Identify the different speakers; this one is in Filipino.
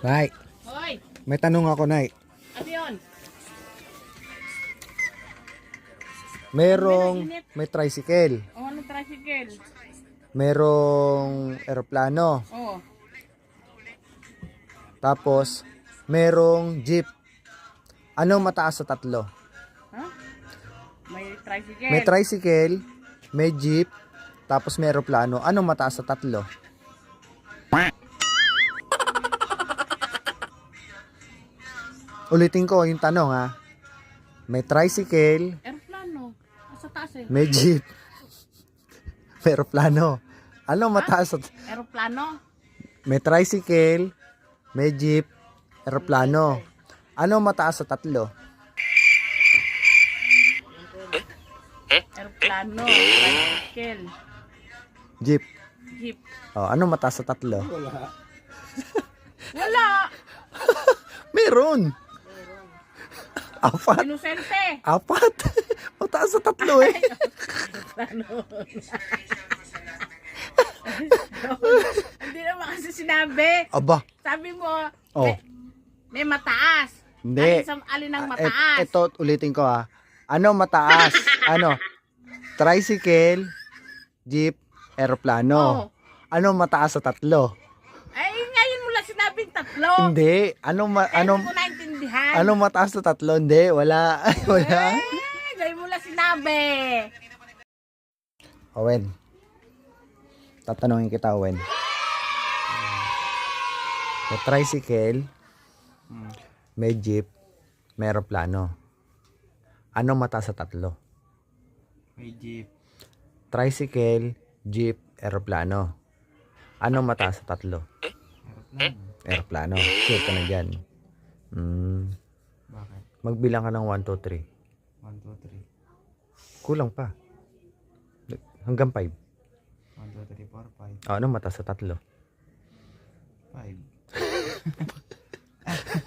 Speaker 1: Nay,
Speaker 2: Hoy,
Speaker 1: may tanong ako, Nay.
Speaker 2: ano yun?
Speaker 1: May tricycle,
Speaker 2: O, anong tricycle?
Speaker 1: merong eroplano,
Speaker 2: Oh,
Speaker 1: tapos merong jeep. Ano mataas sa tatlo?
Speaker 2: ha? May tricycle.
Speaker 1: May tricycle, may jeep, tapos may eroplano. Ano mataas sa tatlo? Ulitin ko yung tanong ha. May tricycle,
Speaker 2: Aeroplano. Sa taas eh.
Speaker 1: may jeep, may eroplano. Ano mataas sa...
Speaker 2: Aeroplano.
Speaker 1: May tricycle, may jeep, eroplano. Ano mataas sa tatlo?
Speaker 2: Aeroplano. Tricycle.
Speaker 1: Jeep.
Speaker 2: Jeep.
Speaker 1: Oh, ano mataas sa tatlo?
Speaker 2: Wala.
Speaker 1: Meron. Apat.
Speaker 2: Inosente.
Speaker 1: Apat. Mataas sa tatlo eh.
Speaker 2: Hindi naman kasi sinabi.
Speaker 1: Aba.
Speaker 2: Sabi mo,
Speaker 1: Oh.
Speaker 2: may mataas.
Speaker 1: Hindi.
Speaker 2: Alin ang mataas?
Speaker 1: Ito, ulitin ko ha. Ano mataas? Ano? Tricycle, jeep, eroplano.
Speaker 2: Oh.
Speaker 1: Ano mataas sa tatlo?
Speaker 2: Ay, ngayon mo lang sinabing tatlo.
Speaker 1: Hindi.
Speaker 2: Ano ko naintindihan.
Speaker 1: Anong mataas sa tatlo? Hindi. Wala. Wala.
Speaker 2: Ngayon mo lang sinabi.
Speaker 1: Owen. Tatanungin kita, Owen. May tricycle, may jeep, may eroplano. Anong mataas sa tatlo?
Speaker 3: May jeep.
Speaker 1: Tricycle, jeep, eroplano. Anong mataas sa tatlo?
Speaker 3: Aeroplano.
Speaker 1: Eroplano. Sure ka na dyan.
Speaker 3: Bakit?
Speaker 1: Magbilang ka ng 1, 2, 3.
Speaker 3: 1, 2, 3.
Speaker 1: Kulang pa. Hanggang 5.
Speaker 3: 1, 2, 3, 4, 5.
Speaker 1: Anong mataas sa tatlo?
Speaker 3: 5.